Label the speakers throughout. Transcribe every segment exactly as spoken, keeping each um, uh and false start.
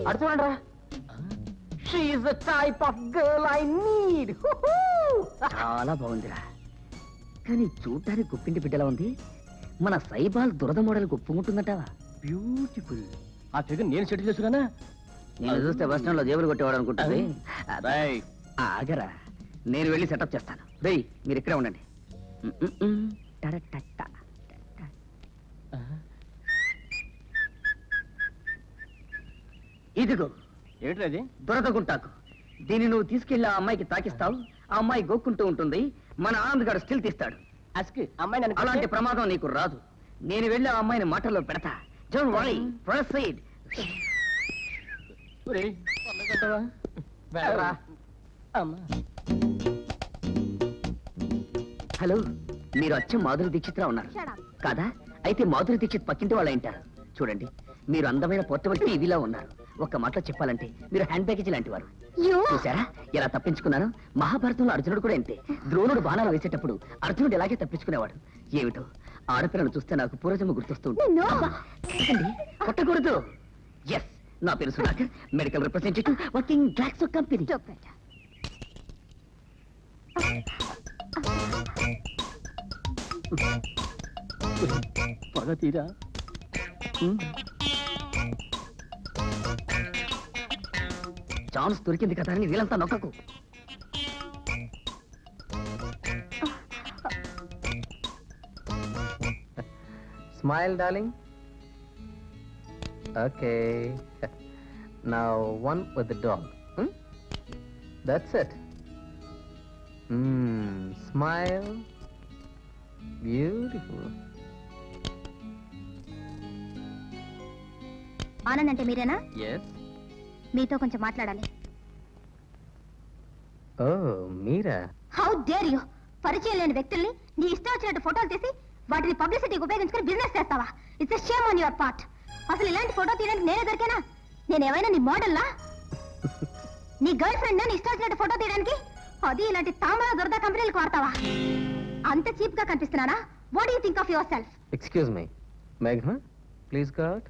Speaker 1: అటు చూడండి రా. She is the type of girl I need.
Speaker 2: చాలా బాగుందిరా, కానీ చూడటానికి గుప్పింటి బిడ్డలా ఉంది. మన సైబాల్ దురద మోడల్ ఒప్పుకుంటుందంటావా?
Speaker 1: బ్యూటిఫుల్. ఆ ఫిగర్ నేను సెటిల్ చేసుకున్నా.
Speaker 2: నేను చూస్తే బస్ స్టాండ్ లో జేబులు కొట్టేవాడు అనుకుంటుంది. ఆగరా, నేను వెళ్ళి సెటప్ చేస్తాను. రేయ్ మీరు ఇక్కడే ఉండండి. ఇదిగో
Speaker 1: ఏంటది?
Speaker 2: దురద గుంటాకు. దీన్ని నువ్వు తీసుకెళ్లి ఆ అమ్మాయికి తాకిస్తావు. ఆ అమ్మాయి గోక్కుంటూ ఉంటుంది. మన ఆనంద్ గారు స్టిల్ తీస్తాడు.
Speaker 1: అమ్మాయి
Speaker 2: అలాంటి ప్రమాదం నీకు రాదు. నేను వెళ్ళి ఆ అమ్మాయిని మాటల్లో పెడతా. Don't worry, proceed. హలో, మీరు అచ్చం మాధురి దీక్షిత్రా ఉన్నారు కాదా? అయితే మాధురి దీక్షిత్ పక్కింటి వాళ్ళ ఇంటారు. చూడండి, మీరు అందమైన పోర్టబుల్ టీవీలా ఉన్నారు. ఒక్క మాటలో చెప్పాలంటే మీరు హ్యాండ్ బ్యాగేజ్ లాంటి వారు. చూసారా ఎలా తప్పించుకున్నాను? మహాభారతంలో అర్జునుడు కూడా అంతే. ద్రోణుడు బాణాలు వేసేటప్పుడు అర్జునుడు ఎలాగే తప్పించుకునేవాడు. ఏమిటో ఆడపిల్లను చూస్తే నాకు పూర్వజన్మ గుర్తొస్తుంది. కొట్టకూడదు. ఎస్, నా పేరు Sudhakar, medical representative, working Glaxo company.
Speaker 1: పగ తీరా.
Speaker 2: ఛాన్స్ దొరికింది కదా అని వీళ్ళంతా నొక్కకు.
Speaker 3: Smile, darling. Okay. Now one with the dog. Hmm? That's it. Hmm. Smile. Beautiful.
Speaker 4: Anand అంటే మీరేనా?
Speaker 3: Yes.
Speaker 4: మీతో కొంచెం మాట్లాడాలి.
Speaker 3: Oh, మీరా?
Speaker 4: How dare you! పరిచయం లేని వ్యక్తుల్ని నీ ఇష్టం వచ్చినట్టు ఫోటోలు తీసి వాటిని పబ్లిసిటీకి ఉపయోగించుకుని బిజినెస్ చేస్తావా? It's a shame on your part. అసలు ఇలాంటి ఫోటో తీయడానికి నేనే దొరికానా? నేనేమైనా నీ మోడల్లా? నీ గర్ల్ ఫ్రెండ్ నీ ఇష్టం వచ్చినట్టు ఫోటో తీయడానికి? అది ఇలాంటి తామర దొరద కంపెనీలకు వాడతావా? అంత చీప్ గా కనిపిస్తున్నానా? What do you think of yourself?
Speaker 3: Excuse me. Meghna, please go out.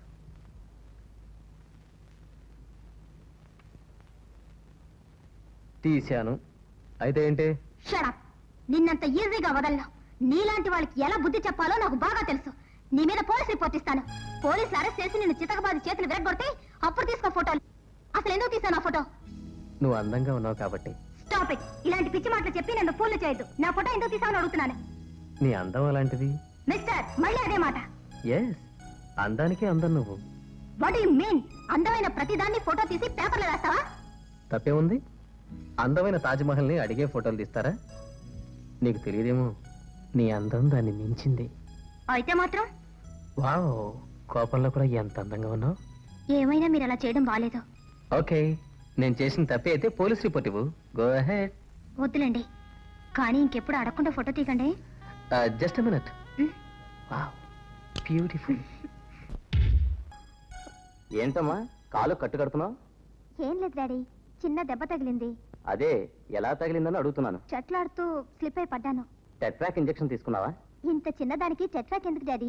Speaker 3: తీశాను. అయితే ఏంటి?
Speaker 4: Shut up. నిన్నంత ఈజీగా వదలను. నీలాంటి వాళ్ళకి ఎలా బుద్ధి చెప్పాలో నాకు బాగా తెలుసు. నీ మీద పోలీస్ రిపోర్ట్ ఇస్తాను. పోలీసులు అరెస్ట్ చేసి నిన్ను చితకబాది చేతులు విరగొడితే అప్పుడు తీసుకో ఫోటోలు. అసలు ఎందుకు తీసాను ఆ ఫోటో?
Speaker 3: నువ్వు అందంగా ఉన్నావు కాబట్టి.
Speaker 4: Stop it. ఇలాంటి పిచ్చి మాటలు చెప్పి నన్ను ఫూల్ చేయొద్దు. నా ఫోటో ఎందుకు తీసావని అడుగుతున్నాను.
Speaker 3: నీ అందం అలాంటిది.
Speaker 4: మిస్టర్, మళ్ళీ అదే మాట.
Speaker 3: ఎస్, అందానికే అందం నువ్వు.
Speaker 4: What you mean? అందమైన ప్రతిదాన్ని ఫోటో తీసి పేపర్లో వేస్తావా?
Speaker 3: తప్పే ఉంది. అందమైన తాజ్మహల్ ని అడిగే ఫోటోలు తీస్తారా? నీకు తెలియదేమో, నీ అందం దాన్ని మించింది.
Speaker 4: అయితే మాత్రం
Speaker 3: వావ్, కోపంలో కూడా ఎంత అందంగా ఉన్నావు.
Speaker 4: ఏమైనా మీరు అలా చేయడం బాలేదు.
Speaker 3: ఓకే, నేను చేసిన తప్పే అయితే పోలీస్ రిపోర్ట్ ఇవ్వు. Go ahead.
Speaker 4: వద్దులేండి, కానీ ఇంకెప్పుడు అడగకుండా ఫోటో తీయకండి.
Speaker 3: Just a minute. Wow, beautiful. ఏంటమ్మా కాలు కట్టు కడుతున్నావు?
Speaker 4: ఏం లేదు డాడీ, చిన్న దెబ్బ తగిలింది.
Speaker 3: అదే ఎలా తగిలిందని అడుగుతున్నాను.
Speaker 4: చెట్లాడుతూ స్లిప్ అయి పడ్డాను.
Speaker 3: టెట్రాక్ ఇంజెక్షన్ తీసుకున్నావా?
Speaker 4: ఇంత చిన్నదానికి టెట్రాక్ ఎందుకు daddy?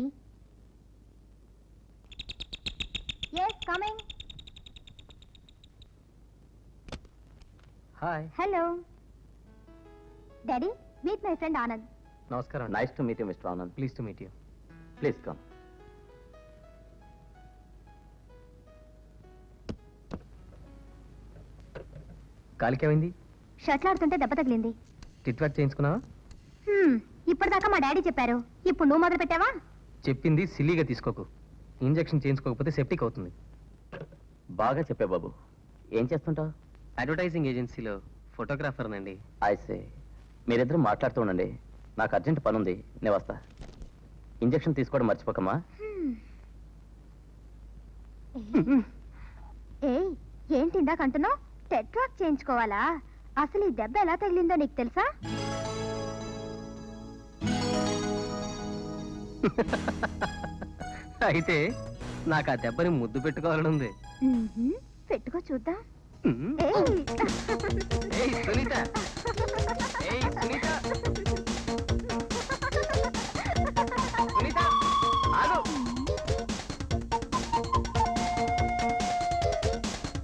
Speaker 4: yes coming.
Speaker 3: Hi.
Speaker 4: Hello daddy, meet my friend Anand.
Speaker 3: నమస్కారం. Nice to meet you mister Anand. Please to meet you. Please come. కాలికేమైంది?
Speaker 4: షట్లాడుతుంటే దెబ్బ తగిలింది.
Speaker 3: టిట్వాక్ చేయించుకున్నావా?
Speaker 4: ఇప్పటిదాకా మా డాడీ చెప్పారు, ఇప్పుడు నువ్వు మొదలు పెట్టావా?
Speaker 3: చెప్పింది సిల్లీగా తీసుకోకు. ఇంజెక్షన్ చేయించుకోకపోతే సెప్టిక్ అవుతుంది.
Speaker 2: బాగా చెప్పే బాబు. ఏం చేస్తుంటావు?
Speaker 3: అడ్వర్టైజింగ్ ఏజెన్సీలో ఫోటోగ్రాఫర్ నండి.
Speaker 2: ఐసే. మీరిద్దరు మాట్లాడుతూ ఉండండి, నాకు అర్జెంట్ పని ఉంది, నేను వస్తా. ఇంజెక్షన్ తీసుకోవడం మర్చిపోకమ్మా.
Speaker 4: ఏయ్, ఏంటి ఇందాక అంటున్నావు? టెట్రాక్ చేయించుకోవాలా? అసలు ఈ దెబ్బ ఎలా తగిలిందో నీకు తెలుసా?
Speaker 3: అయితే నాకు ఆ దెబ్బని ముద్దు పెట్టుకోవాలని ఉంది.
Speaker 4: పెట్టుకో చూద్దాం.
Speaker 3: ఏయ్ సునీత, ఏయ్ సునీత, సునీత ఆగు.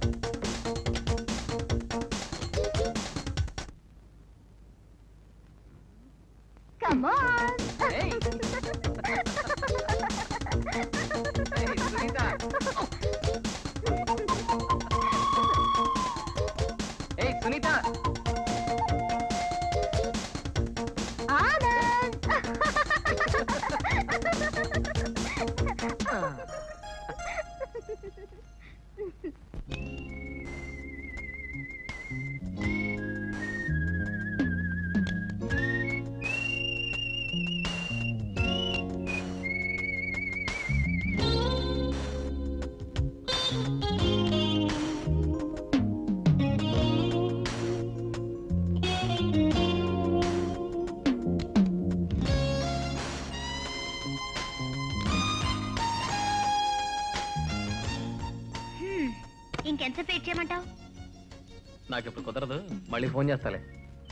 Speaker 4: ఇంకెంతసేపు వెయిట్ చేయమంటావు?
Speaker 3: నాకు ఇప్పుడు కుదరదు, మళ్ళీ ఫోన్ చేస్తాలే.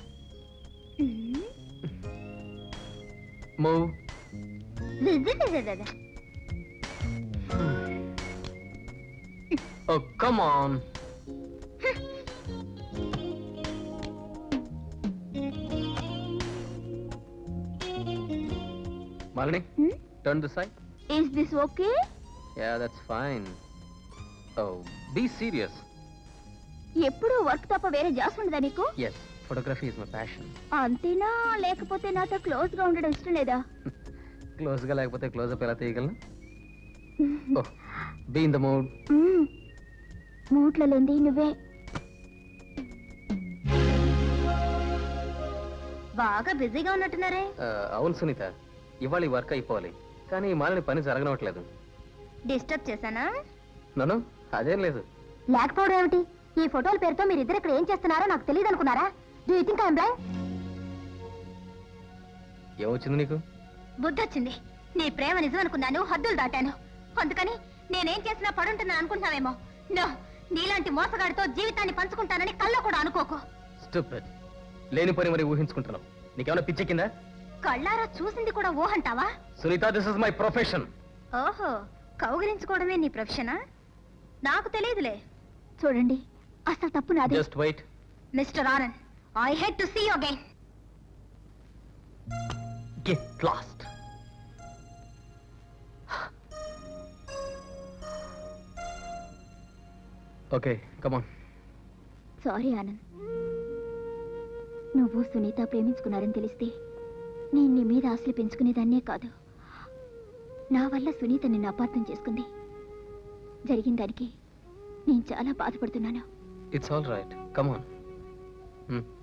Speaker 3: Move. Oh, come on. Malini,
Speaker 4: Hmm?
Speaker 3: turn this side.
Speaker 4: Is this okay?
Speaker 3: Yeah, that's fine. Oh, be serious.
Speaker 4: ఎప్పుడు వర్క్ తప్ప వేరే జాస్ ఉండదా నీకు?
Speaker 3: Yes, photography is my passion.
Speaker 4: అంతేనా, లేకపోతే నాతో క్లోజ్ గా ఉండడం ఇష్టం లేదా?
Speaker 3: Close గా లేకపోతే క్లోజ్ అప్ ఎలా తీయగలను? Oh, be in the mood.
Speaker 4: మూట్లో లేంది నువ్వే. బాగా బిజీగా ఉన్నట్టున్నారే.
Speaker 3: Uh, అవును సునీత, ఇవాళ ఈ వర్క్ అయిపోవాలి, కానీ ఈ మాలని పని జరగనట్లేదు.
Speaker 4: డిస్టర్బ్ చేశానా?
Speaker 3: నన్ను అదేం లేదు.
Speaker 4: లేకపోవడం ఏమిటి? ఈ ఫోటోల పేరుతో మీరిద్దరు ఇక్కడ ఏం చేస్తున్నారో నాకు తెలియదు అనుకున్నారా? Do you think I am blind?
Speaker 3: ఏమొచ్చింది నీకు?
Speaker 4: బుద్ధి వచ్చింది. నీ ప్రేమ నిజం అనుకున్నాను, హద్దులు దాటాను. అందుకని నేనేం చేసినా పడుంటున్నాను అనుకుంటున్నావేమో. నో, నీలాంటి మోసగాడితో జీవితాన్ని పంచుకుంటానని కల్లో కూడా అనుకోకు.
Speaker 3: స్టూపిడ్. లేని పని మరి ఊహించుకుంటున్నావు. నీకేమైనా పిచ్చెక్కిందా?
Speaker 4: కళ్ళారా చూసింది కూడా ఊహంటావా?
Speaker 3: Sunitha, this is my profession.
Speaker 4: ఓహో, కౌగిలించుకోవడమే నీ ప్రొఫెషనా? నాకు తెలియదులే. చూడండి, అసలు తప్పు నాది.
Speaker 3: Just wait.
Speaker 4: Mister Anand, I hate to see you again.
Speaker 3: Get lost. Okay, come on.
Speaker 4: Sorry Anand, నువ్వు సునీత ప్రేమించుకున్నారని తెలిస్తే నేను నీ మీద ఆశలు పెంచుకునేదాన్నే కాదు. నా వల్ల సునీత నిన్ను అపార్థం చేసుకుంది. జరిగిన దానికి నేను చాలా బాధపడుతున్నాను.
Speaker 3: It's all right, come on.